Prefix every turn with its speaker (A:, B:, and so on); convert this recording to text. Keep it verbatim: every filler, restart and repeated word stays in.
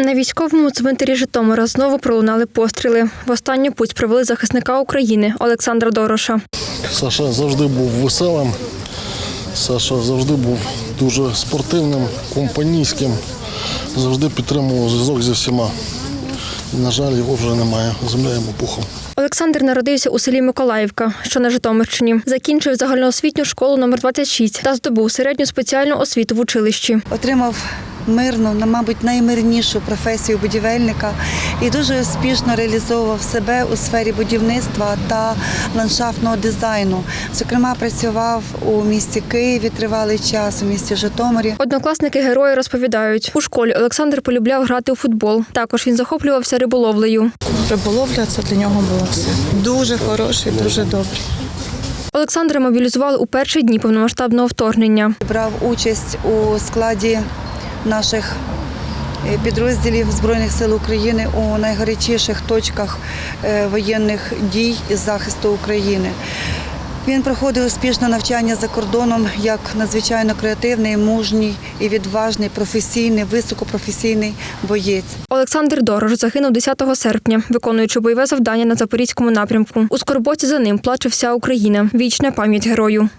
A: На військовому цвинтарі Житомира знову пролунали постріли. В останню путь провели захисника України Олександра Дороша.
B: Саша завжди був веселим, Саша завжди був дуже спортивним, компанійським, завжди підтримував зв'язок зі всіма. На жаль, його вже немає, земля йому пухом.
A: Олександр народився у селі Миколаївка, що на Житомирщині. Закінчив загальноосвітню школу номер двадцять шість та здобув середню спеціальну освіту в училищі.
C: Отримав мирну, мабуть, наймирнішу професію будівельника і дуже успішно реалізовував себе у сфері будівництва та ландшафтного дизайну. Зокрема, працював у місті Києві тривалий час, у місті Житомирі.
A: Однокласники герої розповідають, у школі Олександр полюбляв грати у футбол. Також він захоплювався риболовлею.
D: Риболовля – це для нього було все. Дуже хороший, дуже добрий.
A: Олександра мобілізували у перші дні повномасштабного вторгнення.
C: Брав участь у складі наших підрозділів Збройних сил України у найгарячіших точках воєнних дій із захисту України. Він проходив успішне навчання за кордоном як надзвичайно креативний, мужній і відважний, професійний, високопрофесійний боєць.
A: Олександр Дорош загинув десятого серпня, виконуючи бойове завдання на Запорізькому напрямку. У скорботі за ним плаче вся Україна. Вічна пам'ять герою.